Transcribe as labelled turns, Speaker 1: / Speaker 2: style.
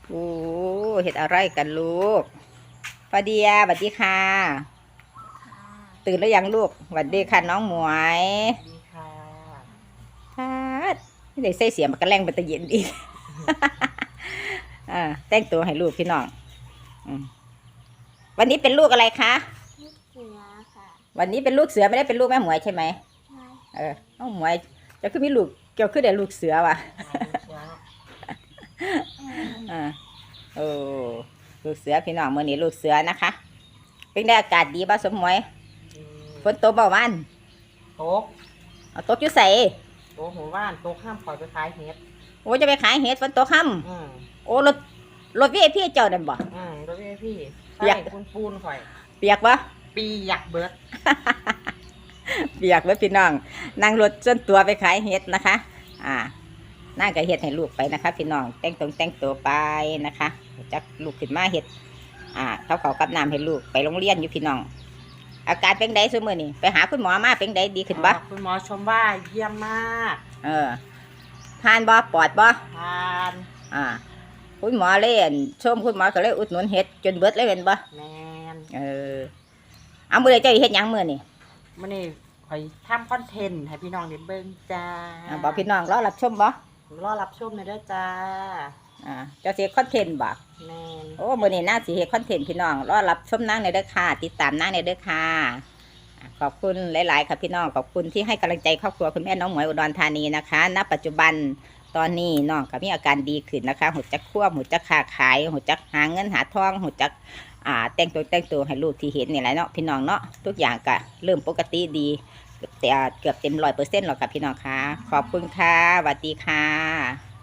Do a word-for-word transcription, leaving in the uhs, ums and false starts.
Speaker 1: โอ้เห็ดอะไรกันลูกฟาเดียสวัสดีค่ะตื่นแล้วยังลูกสวัสดีค่ะน้องหมวย
Speaker 2: ดีค่ะ
Speaker 1: ค่ะไม่ได้ใส่เสียงมันก็แรงไปตะเย็นอีก อ่าแต่งตัวให้ลูกพี่น้องอมวันนี้เป็นลูกอะไรคะ
Speaker 3: ลูกเสือค่ะ
Speaker 1: วันนี้เป็นลูกเสือไม่ได้เป็นลูกแม่หมวยใช่ไหม
Speaker 3: ใช่
Speaker 1: เออน้องหมวยจะขึ้นมีลูกเกี่ยวขึ้นได้ลูกเสือว่ะ อ่าโอ้ลูกเสือพี่น้องเมื่อนี้ลูกเสือนะคะเป็นได้อากาศดีบ้าสมหมวยฝนตกเบาวัน
Speaker 2: โต๊ะ
Speaker 1: เอาตกอยู่ใส่
Speaker 2: โต๊ะหัวว่านโต๊ะห้ามปล่อยไปขายเห็ด
Speaker 1: โอ้จะไปขายเห็ดฝนตกค่
Speaker 2: อืม
Speaker 1: ำโอ้รถรถวีไอพีเจ้าเดินบ่
Speaker 2: อืมแล้วพี่พี่
Speaker 1: เปียก
Speaker 2: ใส่ปูนปูนข่อย
Speaker 1: เปียกปะ
Speaker 2: ปีอยากเบิด
Speaker 1: เปียกเว้ยพี่น้องนั่งรถจนตัวไปขายเห็ดนะคะ อ่านั่งกับเห็ดให้ลูกไปนะคะ พี่น้องแต่งตรงแต่งตัวไปนะคะจักลูกขึ้นมาเห็ดอ่าเขาเขากับน้ำให้ลูกไปโรงเรียนอยู่พี่น้อง อาการเป็นไงซุมื้อนี่ไปหาคุณหมอมาเป็นไงดีขึ้นบ่
Speaker 2: คุณหมอชมว่าเยี่ยมมาก
Speaker 1: เออทานบ่ปอดบ่
Speaker 2: ทาน
Speaker 1: อ่า คุณหมอเล่นชมคุณหมอก็เลยอุดหนุนเห็ดจนเบิดเลยเป็นบ่
Speaker 2: แมน
Speaker 1: เออเอามื้อใดเจ้าสิเฮ็ดหยังมื้อนี่
Speaker 2: มื่อนี้ข่อยทำคอนเทนต์ให้พี่น้องได้เบิ่งจ้า
Speaker 1: อ่าบอกพี่น้องรอรับชมบ่
Speaker 2: รอรับชมเลยเด้อจ้า
Speaker 1: อ่าเจ้าสิเฮ็ดคอนเทนต์บ่
Speaker 2: แมน
Speaker 1: โอ้มื้อนี้น่าสิเฮ็ดคอนเทนต์พี่น้องรอรับชมนางในเด้อค่ะติดตามนางในเด้อค่ะอ่าขอบคุณหลายๆค่ะพี่น้องขอบคุณที่ให้กำลังใจครอบครัวคุณแม่น้องหมวยอุดรธานีนะคะณปัจจุบันตอนนี้น้องก็มีอาการดีขึ้นนะคะหูจักควบหูจักค้าขายหูจักหาเงินหาทองหูจักอ่าแต่งตัวแต่งตัวให้ลูกที่เห็นนี่แหละเนาะพี่น้องเนาะทุกอย่างก็เริ่มปกติดีเกือบแต่เกือบเต็มร้อยเปอร์เซ็นต์หรอกค่ะพี่น้องค่ะขอบคุณค่ะสวัสดีค่ะ